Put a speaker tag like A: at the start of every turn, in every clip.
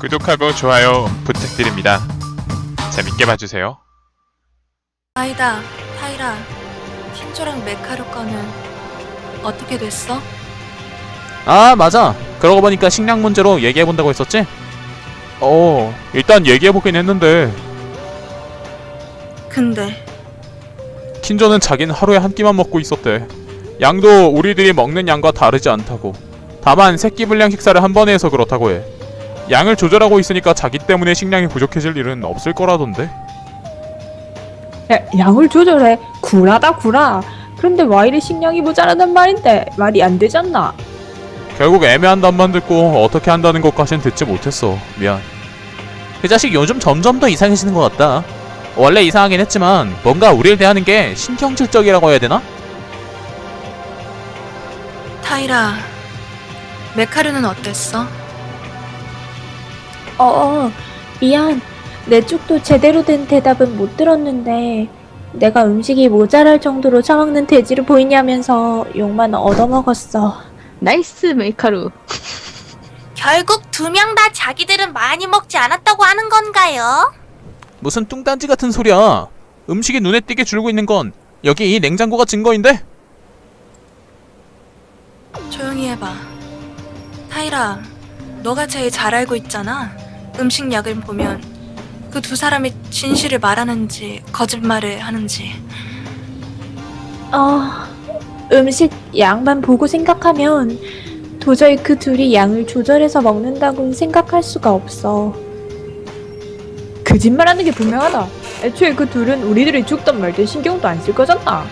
A: 구독하고 좋아요 부탁드립니다. 재밌게 봐주세요.
B: 아이다, 타이라, 킨조랑 메카루 거는 어떻게 됐어?
C: 아, 맞아. 그러고 보니까 식량 문제로 얘기해본다고 했었지? 일단 얘기해보긴 했는데
B: 근데
C: 킨조는 자기는 하루에 한 끼만 먹고 있었대. 양도 우리들이 먹는 양과 다르지 않다고. 다만 새끼 분량 식사를 한 번에 해서 그렇다고 해. 양을 조절하고 있으니까 자기 때문에 식량이 부족해질 일은 없을 거라던데?
D: 양을 조절해. 굴하다 구라. 그런데 와 이리 식량이 모자라단 말인데 말이 안 되잖아.
C: 결국 애매한 답만 듣고 어떻게 한다는 것까진 듣지 못했어. 미안. 그 자식 요즘 점점 더 이상해지는 것 같다. 원래 이상하긴 했지만 뭔가 우리를 대하는 게 신경질적이라고 해야 되나?
B: 타이라, 메카루는 어땠어?
D: 미안. 내 쪽도 제대로 된 대답은 못 들었는데 내가 음식이 모자랄 정도로 처먹는 돼지를 보이냐면서 욕만 얻어먹었어.
E: 나이스 메이카루.
F: 결국 두 명 다 자기들은 많이 먹지 않았다고 하는 건가요?
C: 무슨 뚱딴지 같은 소리야. 음식이 눈에 띄게 줄고 있는 건 여기 이 냉장고가 증거인데?
B: 조용히 해봐. 타이라, 너가 제일 잘 알고 있잖아. 음식약을 보면 그 두 사람이 진실을 말하는지 거짓말을 하는지.
D: 음식 양만 보고 생각하면 도저히 그 둘이 양을 조절해서 먹는다고는 생각할 수가 없어. 거짓말하는 게 분명하다. 애초에 그 둘은 우리들이 죽든 말든 신경도 안 쓸 거잖아.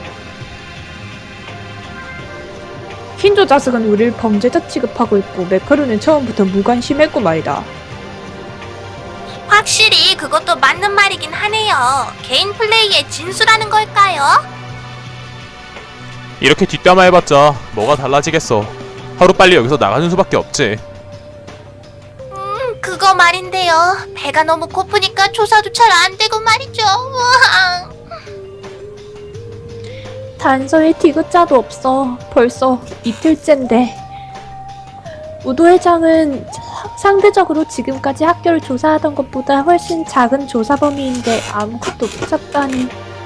D: 킨조 자식은 우리를 범죄자 취급하고 있고 메카루는 처음부터 무관심했고 말이다.
F: 확실히 그것도 맞는 말이긴 하네요. 개인 플레이의 진수라는 걸까요?
C: 이렇게 뒷담화 해봤자 뭐가 달라지겠어. 하루빨리 여기서 나가는 수밖에 없지.
F: 그거 말인데요. 배가 너무 고프니까 조사도 잘 안 되고 말이죠. 우와.
D: 단서에 디귿자도 없어. 벌써 이틀째인데. 우도 회장은 상대적으로 지금까지 학교를 조사하던 것보다 훨씬 작은 조사 범위인데 아무것도 못 찾다니.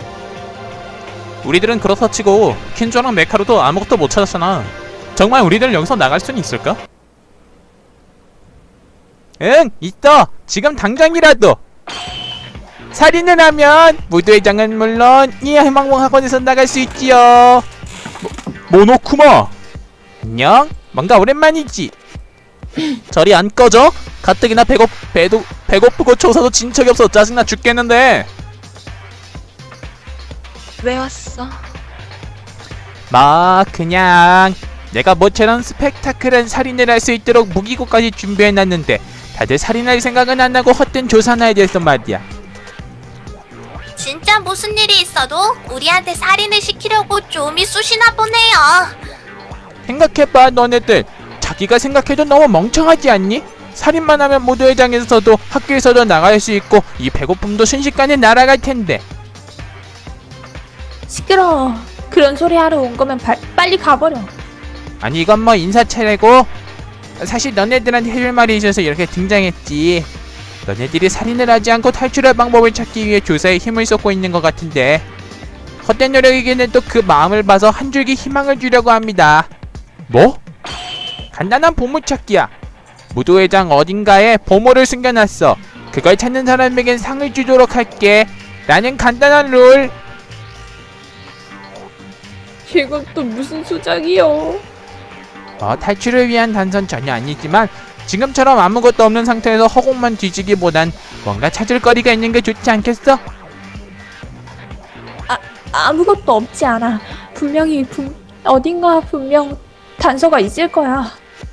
C: 우리들은 그렇다 치고 킨조랑 메카루도 아무것도 못 찾았잖아. 정말 우리들 여기서 나갈 수는 있을까? 응, 있어. 지금 당장이라도. 살인을 하면 무도회장은 물론 이 해망봉 학원에서 나갈 수 있지요. 모노쿠마. 안녕. 뭔가 오랜만이지. 저리 안 꺼져? 가뜩이나 배고프고 조사도 진 적이 없어. 짜증나 죽겠는데.
B: 왜 왔어?
C: 그냥 내가 모처럼 스펙타클한 살인을 할 수 있도록 무기고까지 준비해놨는데 다들 살인할 생각은 안 나고 헛된 조사나 해야 돼서 말이야.
F: 진짜 무슨 일이 있어도 우리한테 살인을 시키려고 좀이 쑤시나 보네요.
C: 생각해봐. 너네들 자기가 생각해도 너무 멍청하지 않니? 살인만 하면 무도회장에서도 학교에서도 나갈 수 있고 이 배고픔도 순식간에 날아갈 텐데.
D: 시끄러워. 그런 소리 하러 온 거면 빨리 가버려.
C: 아니 이건 뭐 인사차례고 사실 너네들한테 해줄 말이 있어서 이렇게 등장했지. 너네들이 살인을 하지 않고 탈출할 방법을 찾기 위해 조사에 힘을 쏟고 있는 것 같은데 헛된 노력이기는 또 그 마음을 봐서 한 줄기 희망을 주려고 합니다. 뭐? 간단한 보물찾기야. 무도회장 어딘가에 보물을 숨겨놨어. 그걸 찾는 사람에겐 상을 주도록 할게. 라는 간단한 룰.
D: 이건 또 무슨 수작이요?
C: 탈출을 위한 단서는 전혀 아니지만 지금처럼 아무것도 없는 상태에서 허공만 뒤지기보단 뭔가 찾을 거리가 있는 게 좋지 않겠어?
D: 아무것도 없지 않아. 어딘가 분명 단서가 있을 거야.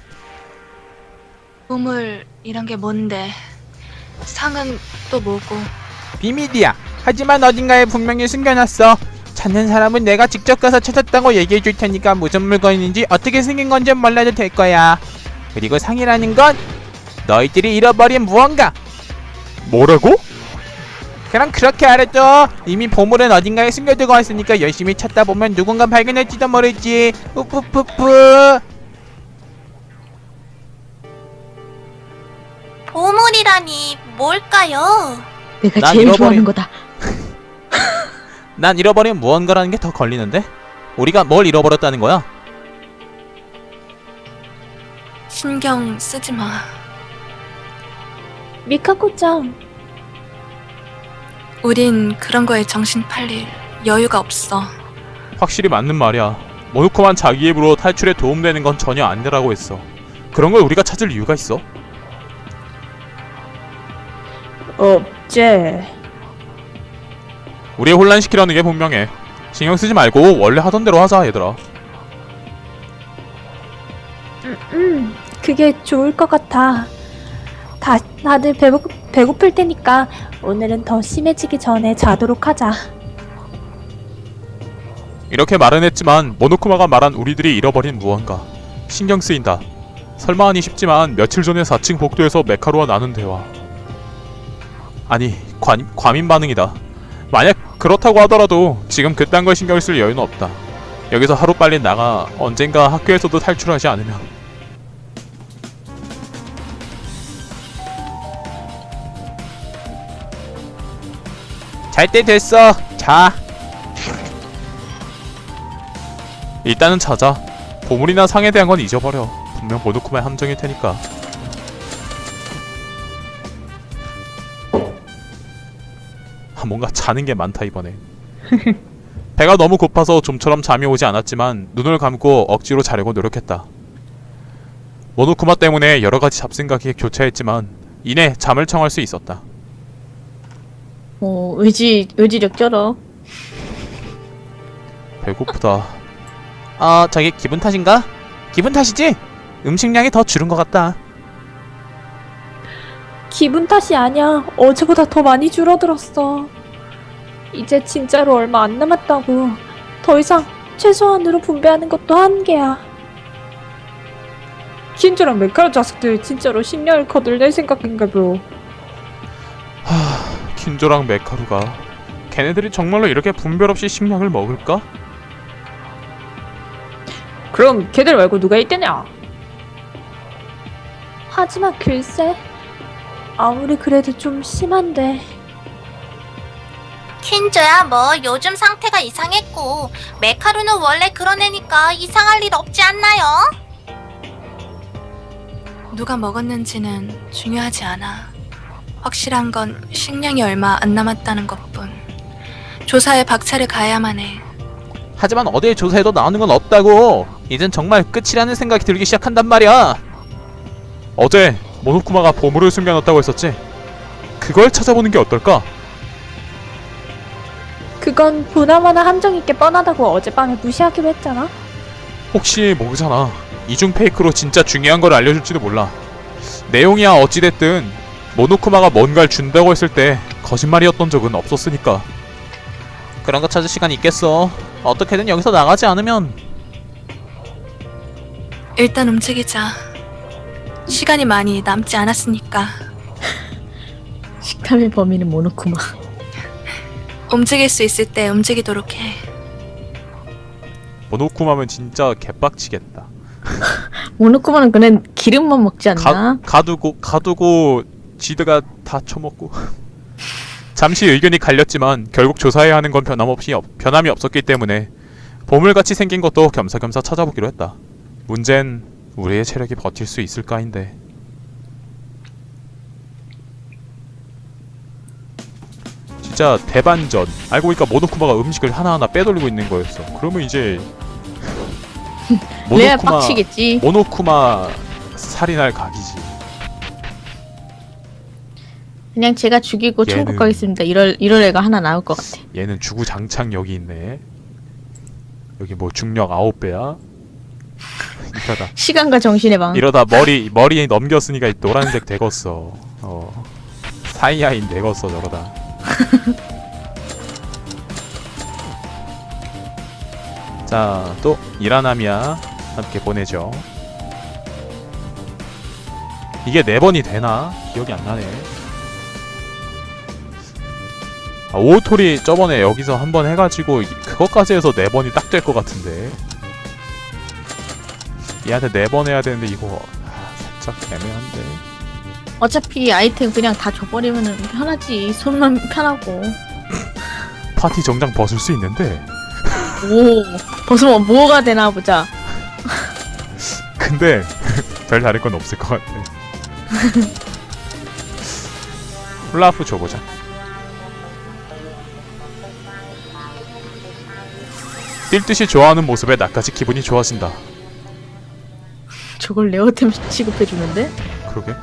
B: 보물 이런 게 뭔데? 상은 또 뭐고?
C: 비밀이야. 하지만 어딘가에 분명히 숨겨놨어. 찾는 사람은 내가 직접 가서 찾았다고 얘기해줄 테니까 무슨 물건인지 어떻게 생긴 건지 몰라도 될 거야. 그리고 상이라는 건 너희들이 잃어버린 무언가. 뭐라고? 그럼 그렇게 알아둬. 이미 보물은 어딘가에 숨겨두고 왔으니까 열심히 찾다 보면 누군가 발견할지도 모르지. 우푸푸푸.
F: 보물이 잃어버리라니 뭘까요?
E: 내가
C: 난
E: 제일
C: 잃어버린-
E: 좋아하는 거다.
C: 난 잃어버린 무언가라는 게 더 걸리는데? 우리가 뭘 잃어버렸다는 거야?
B: 신경 쓰지 마.
D: 미카코짱,
B: 우린 그런 거에 정신 팔릴 여유가 없어.
C: 확실히 맞는 말이야. 모노코만 자기 입으로 탈출에 도움되는 건 전혀 아니라고 했어. 그런 걸 우리가 찾을 이유가 있어?
D: 없제.
C: 우리 혼란시키려는 게 분명해. 신경 쓰지 말고 원래 하던 대로 하자, 얘들아.
D: 그게 좋을 것 같아. 다들 배고플 테니까 오늘은 더 심해지기 전에 자도록 하자.
C: 이렇게 말은 했지만 모노쿠마가 말한 우리들이 잃어버린 무언가 신경 쓰인다. 설마 하니 싶지만 며칠 전에 4층 복도에서 메카루와 나눈 대화. 아니, 과민 반응이다. 만약 그렇다고 하더라도 지금 그딴 걸 신경 쓸 여유는 없다. 여기서 하루빨리 나가 언젠가 학교에서도 탈출하지 않으면. 잘 때 됐어. 자. 일단은 자자. 보물이나 상에 대한 건 잊어버려. 분명 모노쿠마의 함정일 테니까. 뭔가 자는 게 많다 이번에. 배가 너무 고파서 좀처럼 잠이 오지 않았지만 눈을 감고 억지로 자려고 노력했다. 모노쿠마 때문에 여러가지 잡생각이 교차했지만 이내 잠을 청할 수 있었다.
E: 의지력 쩔어.
C: 배고프다. 저게 기분 탓인가? 기분 탓이지? 음식량이 더 줄은 것 같다.
D: 기분 탓이 아니야. 어제보다 더 많이 줄어들었어. 이제 진짜로 얼마 안 남았다고. 더 이상 최소한으로 분배하는 것도 한계야. 킨조랑 메카루 자식들 진짜로 식량을 거둘 생각인가 보.
C: 킨조랑 메카루가 걔네들이 정말로 이렇게 분별 없이 식량을 먹을까?
D: 그럼 걔들 말고 누가 있대냐? 하지만 글쎄, 아무리 그래도 좀 심한데.
F: 킨조야 뭐 요즘 상태가 이상했고 메카루는 원래 그런 애니까 이상할 일 없지 않나요?
B: 누가 먹었는지는 중요하지 않아. 확실한 건 식량이 얼마 안 남았다는 것뿐. 조사에 박차를 가야만 해.
C: 하지만 어디에 조사해도 나오는 건 없다고. 이젠 정말 끝이라는 생각이 들기 시작한단 말이야. 어제 모노쿠마가 보물을 숨겨놨다고 했었지? 그걸 찾아보는 게 어떨까?
D: 그건 보나마나 함정 있게 뻔하다고 어젯밤에 무시하기로 했잖아.
C: 혹시 모르잖아. 이중 페이크로 진짜 중요한 걸 알려줄지도 몰라. 내용이야 어찌됐든 모노쿠마가 뭔가를 준다고 했을 때 거짓말이었던 적은 없었으니까. 그런 거 찾을 시간이 있겠어. 어떻게든 여기서 나가지 않으면.
B: 일단 움직이자. 시간이 많이 남지 않았으니까.
E: 식탐의 범인은 모노쿠마.
B: 움직일 수 있을 때 움직이도록 해.
C: 모노쿠마면 진짜 개빡치겠다.
E: 모노쿠마는 그냥 기름만 먹지 않나?
C: 가두고 지드가 다 처먹고. 잠시 의견이 갈렸지만 결국 조사해야 하는 건 변함이 없었기 때문에 보물같이 생긴 것도 겸사겸사 찾아보기로 했다. 문제는 우리의 체력이 버틸 수 있을까인데. 진짜 대반전. 알고 보니까 모노쿠마가 음식을 하나하나 빼돌리고 있는 거였어. 그러면 이제
E: 레아 빡치겠지.
C: 모노쿠마 살인할 각이지.
E: 그냥 제가 죽이고 천국
C: 얘는-
E: 가겠습니다. 이럴 애가 하나 나올 것 같아.
C: 얘는 주구장창 여기 있네. 여기 뭐 중력 9배야? 이러다
E: 시간과 정신의 방.
C: 머리 넘겼으니까 이 노란색 되겄어. 사이아인 되겄어 저러다. 자, 또 이라나미야 함께 보내죠. 이게 4번이 되나? 기억이 안 나네. 오토리 저번에 여기서 한번 해가지고 그것까지 해서 4번이 딱 될 것 같은데. 얘한테 4번 해야 되는데 이거 살짝 애매한데.
E: 어차피 아이템 그냥 다 줘버리면 편하지. 손만 편하고.
C: 파티 정장 벗을 수 있는데
E: 오, 벗으면 뭐가 되나 보자.
C: 근데 별 다를 건 없을 것 같아. 훌라프 줘보자. 뛸 듯이 좋아하는 모습에 나까지 기분이 좋아진다.
E: 저걸 레어템 취급해주는데?
C: 그러게.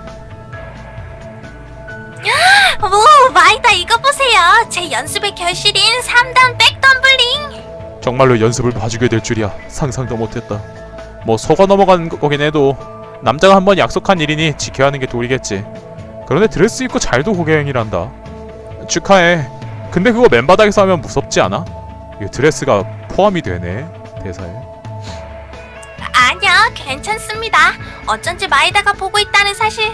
F: 오, 마이다 이거 보세요. 제 연습의 결실인 3단 백덤블링.
C: 정말로 연습을 봐주게 될 줄이야. 상상도 못했다. 뭐 속아 넘어간 거긴 해도 남자가 한번 약속한 일이니 지켜야 하는 게 도리겠지. 그런데 드레스 입고 잘도 고개행이란다. 축하해. 근데 그거 맨바닥에서 하면 무섭지 않아? 이게 드레스가 포함이 되네 대사에.
F: 아니요, 괜찮습니다. 어쩐지 마이다가 보고 있다는 사실.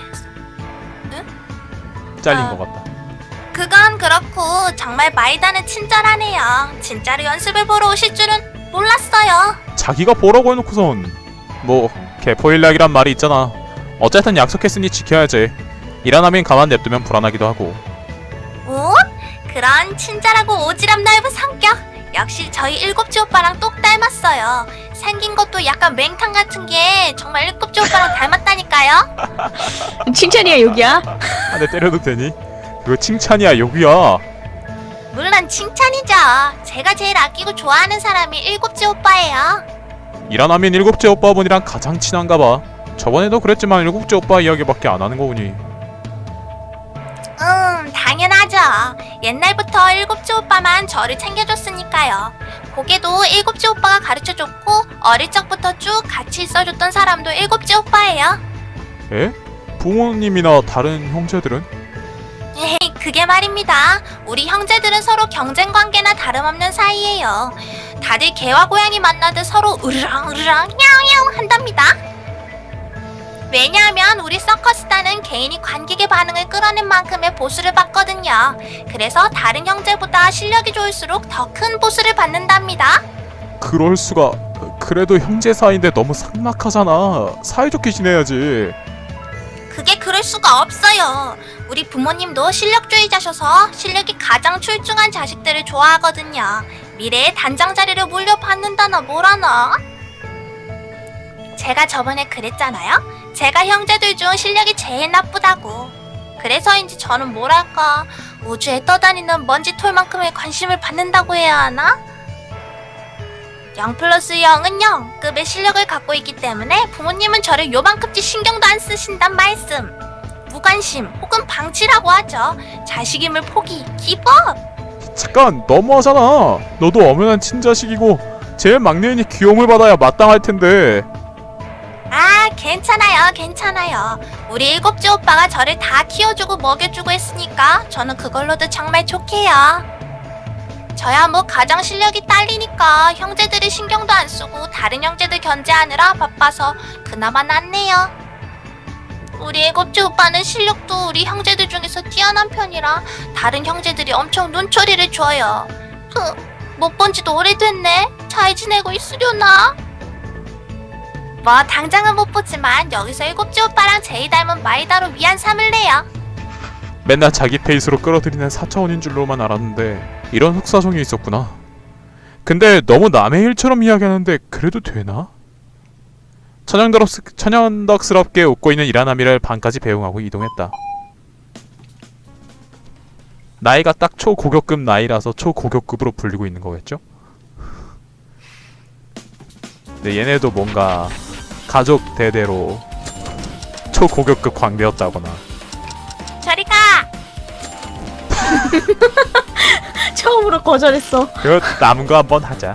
C: 잘린
F: 아.
C: 것 같다.
F: 그건 그렇고 정말 마이다는 친절하네요. 진짜로 연습을 보러 오실 줄은 몰랐어요.
C: 자기가 보라고 해놓고선 뭐 개포일락이란 말이 있잖아. 어쨌든 약속했으니 지켜야지. 일 안 하면 가만 냅두면 불안하기도 하고.
F: 오? 그런 친절하고 오지랖 넓은 성격. 역시 저희 일곱째 오빠랑 똑 닮았어요. 생긴 것도 약간 맹탕 같은 게 정말 일곱째 오빠랑 닮았다니까요.
E: 칭찬이야, 여기야?
C: 한 대 때려도 되니? 그거 칭찬이야 욕이야.
F: 물론 칭찬이죠. 제가 제일 아끼고 좋아하는 사람이 일곱째 오빠예요.
C: 일 안 하면 일곱째 오빠분이랑 가장 친한가 봐. 저번에도 그랬지만 일곱째 오빠 이야기밖에 안 하는 거 보니.
F: 당연하죠. 옛날부터 일곱째 오빠만 저를 챙겨줬으니까요. 고개도 일곱째 오빠가 가르쳐줬고 어릴 적부터 쭉 같이 있어줬던 사람도 일곱째 오빠예요.
C: 에? 부모님이나 다른 형제들은?
F: 에이, 그게 말입니다. 우리 형제들은 서로 경쟁 관계나 다름없는 사이예요. 다들 개와 고양이 만나듯 서로 으르렁 으르렁 야옹야옹 한답니다. 왜냐하면 우리 서커스단은 개인이 관객의 반응을 끌어낸 만큼의 보수를 받거든요. 그래서 다른 형제보다 실력이 좋을수록 더 큰 보수를 받는답니다.
C: 그럴 수가. 그래도 형제 사이인데 너무 삭막하잖아. 사이좋게 지내야지.
F: 그게 그럴 수가 없어요. 우리 부모님도 실력주의자셔서 실력이 가장 출중한 자식들을 좋아하거든요. 미래의 단장 자리를 물려받는다나 뭐라나. 제가 저번에 그랬잖아요. 제가 형제들 중 실력이 제일 나쁘다고. 그래서인지 저는 뭐랄까 우주에 떠다니는 먼지 톨만큼의 관심을 받는다고 해야 하나? 0+0은 0급의 실력을 갖고 있기 때문에 부모님은 저를 요만큼씩 신경도 안 쓰신단 말씀. 무관심 혹은 방치라고 하죠. 자식임을 포기, 기법.
C: 잠깐 너무하잖아. 너도 엄연한 친자식이고 제일 막내이니 귀여움을 받아야 마땅할 텐데.
F: 아, 괜찮아요. 우리 일곱째 오빠가 저를 다 키워주고 먹여주고 했으니까 저는 그걸로도 정말 좋게요. 저야 뭐 가장 실력이 딸리니까 형제들이 신경도 안 쓰고 다른 형제들 견제하느라 바빠서 그나마 낫네요. 우리 일곱째 오빠는 실력도 우리 형제들 중에서 뛰어난 편이라 다른 형제들이 엄청 눈초리를 줘요. 못 본 지도 오래됐네. 잘 지내고 있으려나? 뭐 당장은 못 보지만 여기서 일곱째 오빠랑 제일 닮은 마이다로 위안 삼을래요.
C: 맨날 자기 페이스로 끌어들이는 4차원인 줄로만 알았는데 이런 흑사정이 있었구나. 근데 너무 남의 일처럼 이야기하는데 그래도 되나? 천연덕스럽게 웃고 있는 이라나미를 방까지 배웅하고 이동했다. 나이가 딱 초고격급 나이라서 초고격급으로 불리고 있는 거겠죠? 근데 얘네도 뭔가 가족 대대로 초고격급 광대였다거나.
F: 저리 가!
E: 처음으로 거절했어.
C: 그거 남은 거 한번 하자.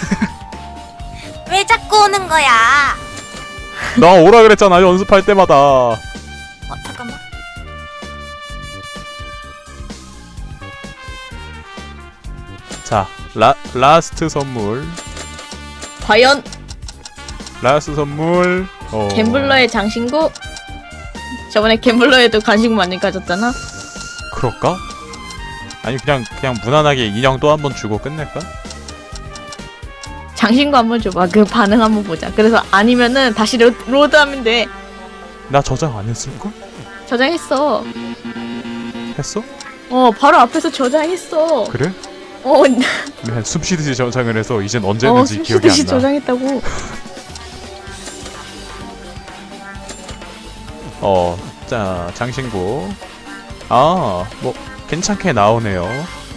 F: 왜 자꾸 오는 거야?
C: 나 오라 그랬잖아 연습할 때마다.
F: 잠깐만.
C: 자, 라스트 선물.
E: 과연
C: 라스트 선물.
E: 갬블러의 장신구? 저번에 갬블러에도 간식 많이 가졌잖아.
C: 그럴까? 아니 그냥 무난하게 인형 또 한 번 주고 끝낼까?
E: 장신구 한번 줘봐. 그 반응 한번 보자. 그래서 아니면은 다시 로드하면 돼.
C: 나 저장 안 했을걸?
E: 저장했어.
A: 했어?
E: 바로 앞에서 저장했어.
A: 그래?
E: 어,
A: 한 숨쉬듯이 저장을 해서 이젠 언제 했는지 기억이
E: 숨쉬듯이
A: 안 나.
E: 저장했다고.
A: 자, 장신구. 뭐 괜찮게 나오네요.